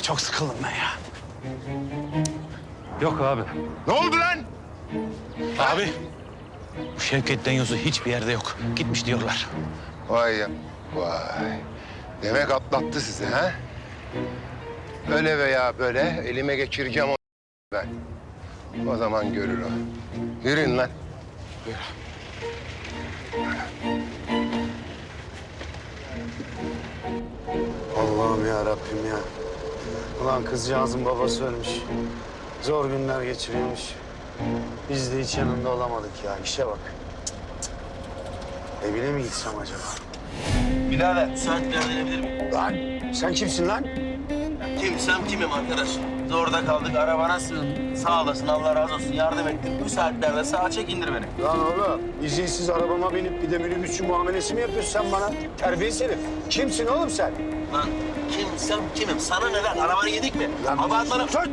çok sıkıldım ben ya. Yok abi. Ne oldu lan? Abi, bu Şevket Denyozu hiçbir yerde yok. Gitmiş diyorlar. Vay ya. Vay. Demek atlattı sizi ha? Öyle veya böyle elime geçireceğim o ben. O zaman görür o. Yürüyün lan. Allah'ım ya Rabbim ya. Ulan kızcağızın babası ölmüş. Zor günler geçiriyormuş. Biz de hiç yanında olamadık ya. İşe bak. Evine mi gitsem acaba? Birader, müsait bir yerden inebilir miyim? Lan sen kimsin lan? Kimsem kimim arkadaş. Zorda kaldık, arabana sığındım. Sağ olasın, Allah razı olsun. Yardım ettin. Müsaitlerde sağa çek, indir beni. Lan oğlum izinsiz arabama binip bir de minibüsçü muamelesi mi yapıyorsun sen bana? Terbiyesiz herif. Kimsin oğlum sen? Lan kimsem kimim? Sana ne lan? Arabanı yedik mi? Lan Abartmanı... sus!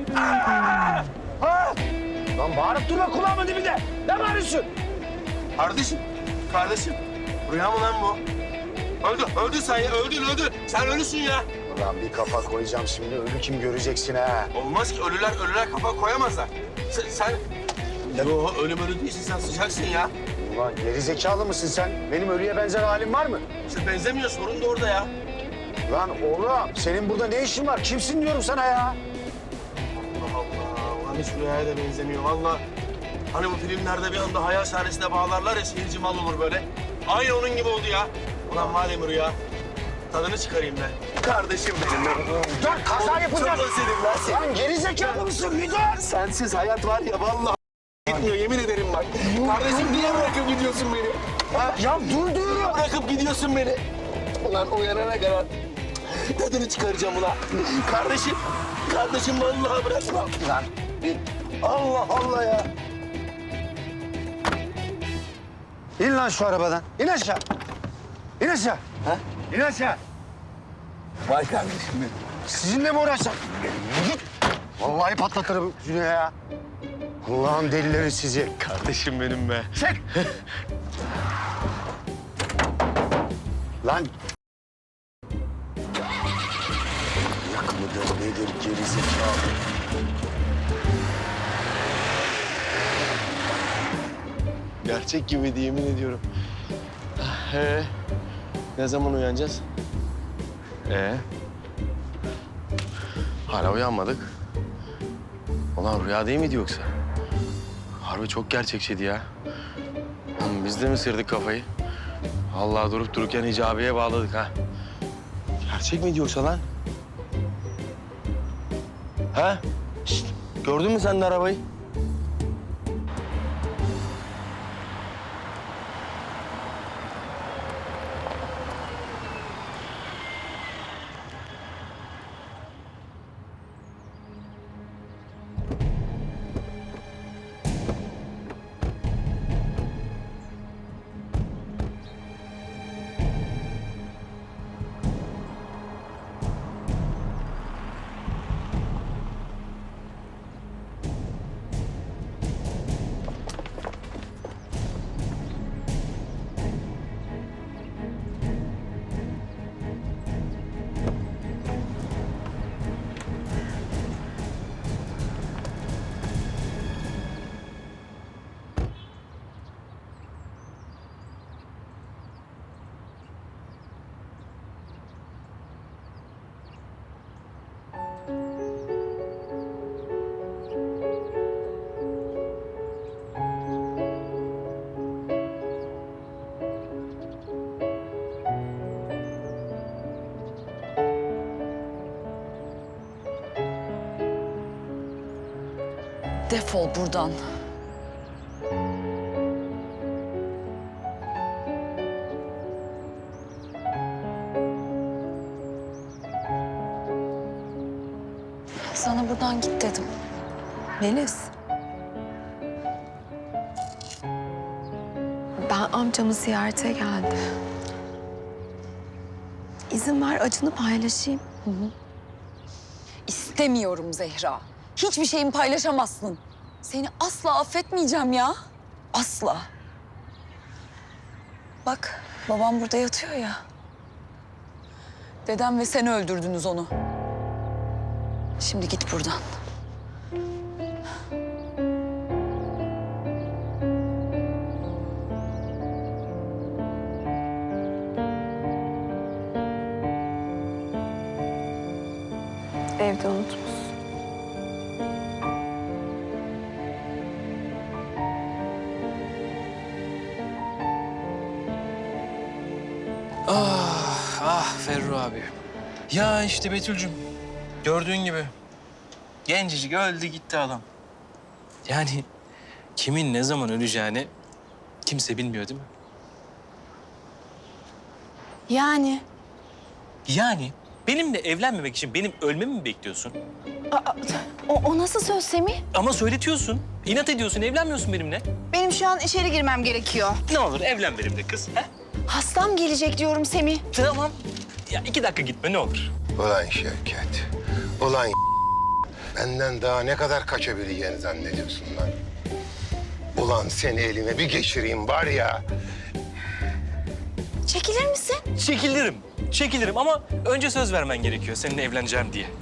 Lan bağırıp durma kulağımın dibinde. Ne bağırıyorsun? Kardeşim. Rüya mı lan bu? Öldün sen ya, öldün. Sen ölüsün ya. Ulan bir kafa koyacağım şimdi. Ölü kim göreceksin ha? Olmaz ki, ölüler kafa koyamazlar. Sen... Yo, ölü değilsin, sen sıcaksın ya. Ulan gerizekalı mısın sen? Benim ölüye benzer halim var mı? İşte benzemiyor, sorun da orada ya. Lan oğlum senin burada ne işin var? Kimsin diyorum sana ya? Allah Allah, ulan hiç rüyaya da benzemiyor vallahi. Hani bu filmlerde bir anda hayal sahnesine bağlarlar ya, seyirci mal olur böyle. Aynı onun gibi oldu ya. Ulan madem rüya, tadını çıkarayım ben. Kardeşim benim ben. Dur kaza yapacağız. Çok özledim lan seni. Lan gerizekalı mısın? Bir dur. Sensiz hayat var ya vallahi gitmiyor, yemin ederim bak. Kardeşim niye bırakıp gidiyorsun beni? Ha? Ya dur diyorum. Bırakıp gidiyorsun beni. Ulan uyanana kadar tadını çıkaracağım ulan. Kardeşim vallahi bırakma. Lan Allah Allah ya. İn lan şu arabadan. İn aşağı. İn aşağı. Ha? İn aşağı. Vay kardeşim benim. Sizinle mi uğraşacağım? Git. Vallahi patlatırım yüzüne ya. Allah'ın delileri sizi. Kardeşim benim be. Çek. Lan. Yak mıdır nedir gerizekalı? Gerçek gibiydi yemin ediyorum. Ne zaman uyanacağız? Hala uyanmadık. Ulan rüya değil miydi yoksa? Harbi çok gerçekçiydi ya. Oğlum biz de mi sırdık kafayı? Allah durup dururken icabeye bağladık ha. Gerçek miydi yoksa lan? Ha? Şişt, gördün mü sen de arabayı? Defol buradan. Sana buradan git dedim. Melis. Ben amcamı ziyarete geldim. İzin ver acını paylaşayım. İstemiyorum Zehra. Hiçbir şeyimi paylaşamazsın. Seni asla affetmeyeceğim ya. Asla. Bak babam burada yatıyor ya. Dedem ve sen öldürdünüz onu. Şimdi git buradan. Evde unutmuş. Ah Ferru abi. Ya işte Betül'cüm. Gördüğün gibi. Gencecik öldü gitti adam. Yani kimin ne zaman öleceğini kimse bilmiyor değil mi? Yani Yani benimle evlenmemek için benim ölmemi mi bekliyorsun? o nasıl söz Semih? Ama söyletiyorsun. İnat ediyorsun, evlenmiyorsun benimle. Benim şu an içeri girmem gerekiyor. Ne olur evlen benimle kız. He? Hastam gelecek diyorum Semih. Tamam. Ya 2 dakika gitme ne olur. Ulan Şevket, ulan benden daha ne kadar kaçabileceğini zannediyorsun lan? Ulan seni elime bir geçireyim var ya. Çekilir misin? Çekilirim. Çekilirim ama önce söz vermen gerekiyor seninle evleneceğim diye.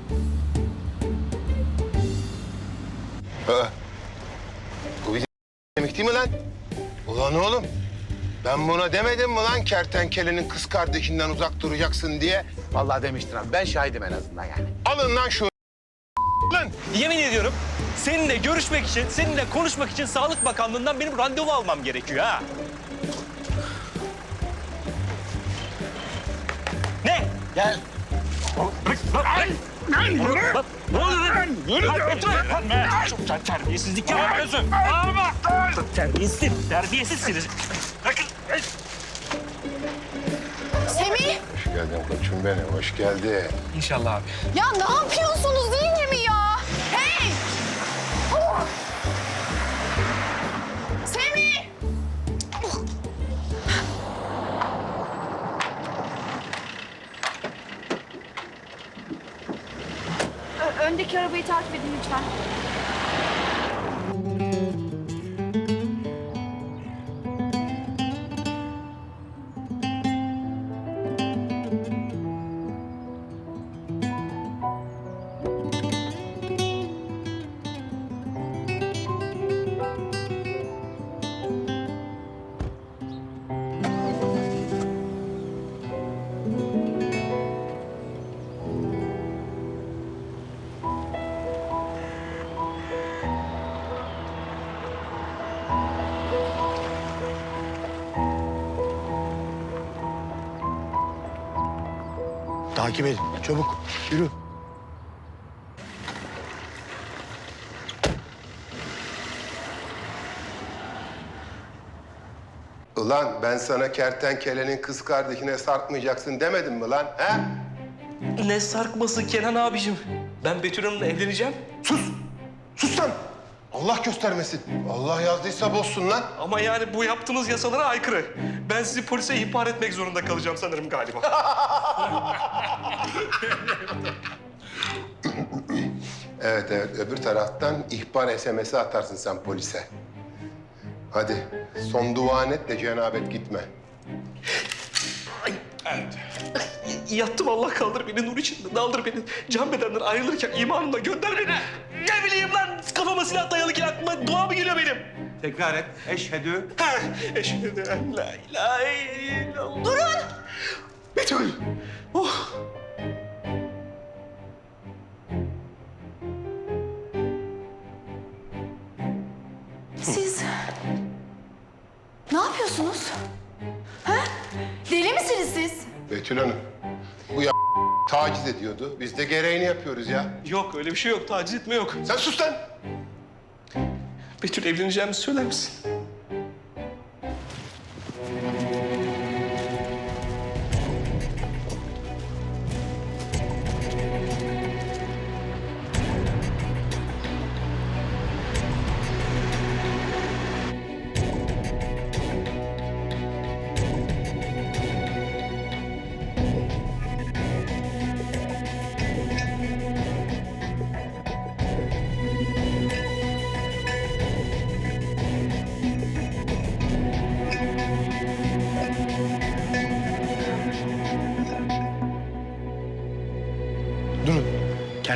Aa, bu bir demek değil mi lan? Ulan oğlum, ben buna demedim mi lan kertenkelenin kız kardeşinden uzak duracaksın diye? Vallahi demiştin abi. Ben şahidim en azından yani. Alın lan şu lan. Yemin ediyorum seninle görüşmek için, seninle konuşmak için Sağlık Bakanlığı'ndan benim randevu almam gerekiyor ha. Ne? Gel. Sen terbiyesizlik yapıyorsun. Terbiyesizsiniz. Bırakın. Semih! Hoş geldin koçum benim, hoş geldin. İnşallah abi. Ya ne yapıyorsunuz değil mi ya? Hey! Oh! Semih! Öndeki arabayı takip edin lütfen. Takip edin. Çabuk. Yürü. Ulan ben sana kertenkelenin kız kardeşine sarkmayacaksın demedim mi lan? He? Ne sarkması Kenan abicim? Ben Betül Hanım'la evleneceğim. Sus! Sus lan! Allah göstermesin. Allah yazdıysa bozsun lan. Ama yani bu yaptığınız yasalara aykırı. Ben sizi polise ihbar etmek zorunda kalacağım sanırım galiba. Evet evet, öbür taraftan ihbar SMS'i atarsın sen polise. Hadi son duan et de cenabet gitme. Yattım Allah kaldır beni nur içinde. Daldır beni. Can bedenden ayrılırken imanımla gönder beni. Ne bileyim lan kafama silah dayalıken aklıma dua mı geliyor benim? Tekrar et. Eşhedü. Eşhedü en la ilahe illallah. Durun! Betül! Oh! Siz ne yapıyorsunuz? Ha? Deli misiniz siz? Betül Hanım, bu ya taciz ediyordu. Biz de gereğini yapıyoruz ya. Yok öyle bir şey yok. Taciz etme yok. Sen sus lan! Betül evleneceğimizi söyler misin?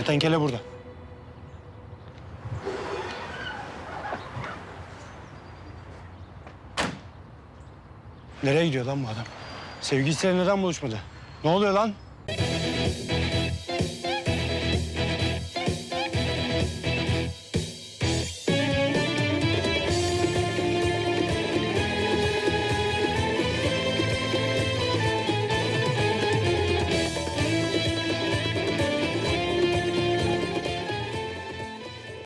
Kertenkele burada. Nereye gidiyor lan bu adam? Sevgilisiyle neden buluşmadı? Ne oluyor lan?